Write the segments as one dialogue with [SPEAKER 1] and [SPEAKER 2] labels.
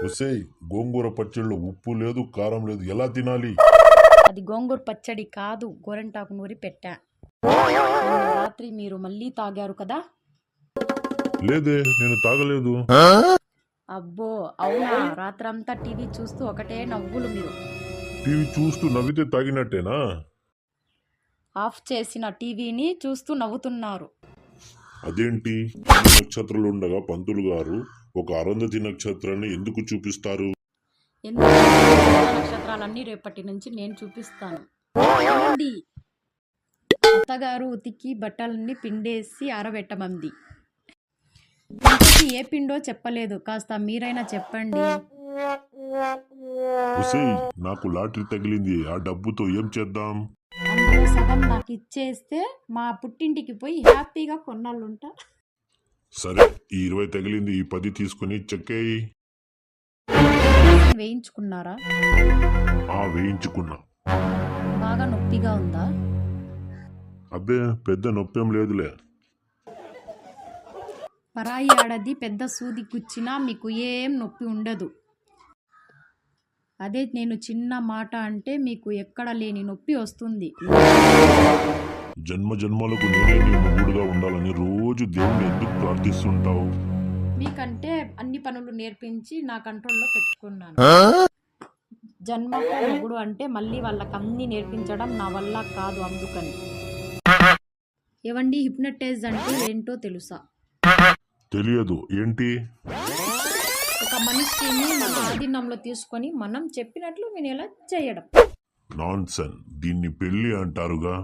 [SPEAKER 1] ఒసేయ్, గోంగూర పచ్చడిలో ఉప్పు లేదు, కారం లేదు, ఎలా తినాలి?
[SPEAKER 2] అది గోంగూర పచ్చడి కాదు, గోరంటాకు నూరి పెట్టా. రాత్రి మీరు మళ్ళీ తాగారు కదా.
[SPEAKER 1] లేదే, నేను తాగలేదు.
[SPEAKER 2] అబ్బో అవునా, రాత్రంతా టీవీ చూస్తూ ఒకటే నవ్వులు మీరు.
[SPEAKER 1] టీవీ చూస్తూ నవ్వితే తాగినట్టేనా?
[SPEAKER 2] ఆఫ్ చేసిన టీవీని చూస్తూ నవ్వుతున్నారు.
[SPEAKER 1] అదేంటి, నక్షత్రాలు ఉండగా పంతులు గారు ఒక అరుంధతి నక్షత్రాన్ని ఎందుకు చూపిస్తారు?
[SPEAKER 2] ఎందుకు నక్షత్రాలన్నీ రేపటి నుంచి నేను చూపిస్తాను. ఏమండి? అత్తగారు ఉతికి బట్టలన్నీ పిండేసి ఆరబెట్టమంది. ఇంతకీ ఏ పిండో చెప్పలేదు, కాస్త మీరైనా చెప్పండి.
[SPEAKER 1] ఒసేయ్, నాకు లాటరీ తగిలింది, ఆ డబ్బుతో ఏం చేద్దాం?
[SPEAKER 2] అందులో సగం నాకు ఇచ్చేస్తే మా పుట్టింటికి పోయి హ్యాపీగా కొన్నాళ్ళుంటా.
[SPEAKER 1] సరే, ఈ 20 తగిలింది, ఈ 10 తీసుకుని చెక్కేయి.
[SPEAKER 2] వేయించుకున్నారా?
[SPEAKER 1] వేయించుకున్నా.
[SPEAKER 2] బాగా నొప్పిగా ఉందా?
[SPEAKER 1] అబ్బే, పెద్ద నొప్పేం లేదులే.
[SPEAKER 2] పరాయి ఆడది పెద్ద సూది గుచ్చినా మీకు ఏం నొప్పి ఉండదు. అదే నేను చిన్న మాట అంటే మీకు ఎక్కడ లేని నొప్పి వస్తుంది.
[SPEAKER 1] జన్మ జన్మలకు నేనే నీ మొగుడుగా ఉండాలని రోజు దేవుని ఎందుకు ప్రార్థిస్తుంటావు?
[SPEAKER 2] మీకంటే అన్ని పనులు నేర్పించి నా కంట్రోల్లో పెట్టుకున్నాను. జన్మకు మొగుడు అంటే మళ్ళీ వాళ్ళకి అన్ని నేర్పించడం నా వల్ల కాదు, అందుకని. ఏవండి, హిప్నటైజ్ అంటే ఏంటో తెలుసా?
[SPEAKER 1] తెలియదు, ఏంటి?
[SPEAKER 2] ఒక మనిషిని మన ఆధీనంలో తీసుకొని మనం చెప్పినట్లు వినేలా చేయడం.
[SPEAKER 1] నాన్సెన్, దీన్ని పెళ్లి అంటారుగా.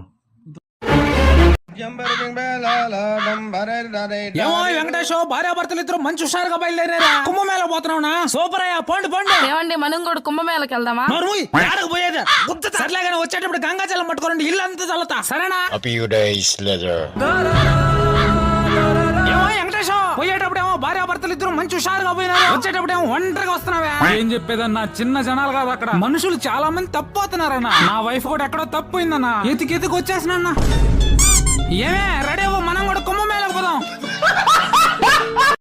[SPEAKER 3] ఏమో వెంకటేశ్, భార్యాభర్తలు ఇద్దరు మంచి హుషారుగా బయలుదేరారా? కుంభమేళ పోతున్నావునా? సూపర్ అయ్యా, పోండి పోండి.
[SPEAKER 4] ఏమండి, మనం కూడా కుంభమేళకి వెళ్దామా?
[SPEAKER 3] పోయేది సర్లేగానే వచ్చేటప్పుడు గంగాజలం పట్టుకోరండి, ఇల్లు అంతా చల్లుతా, సరేనా?
[SPEAKER 5] A few days later.
[SPEAKER 3] ఏమో వెంకటేశ్, పోయేటప్పుడు ఏమో భార్యాభర్తలు ఇద్దరు మంచి హుషారుగా పోయినారు, వచ్చేటప్పుడు ఏమో ఒంటరిగా వస్తున్నావా? ఏం చెప్పేదన్నా, చిన్న జనాలు కాదు అక్కడ, మనుషులు చాలా మంది తప్పు అవుతున్నారన్నా. నా వైఫ్ కూడా ఎక్కడో తప్పు అయిందన్నా, ఎతికి వచ్చేసినా. ఏమే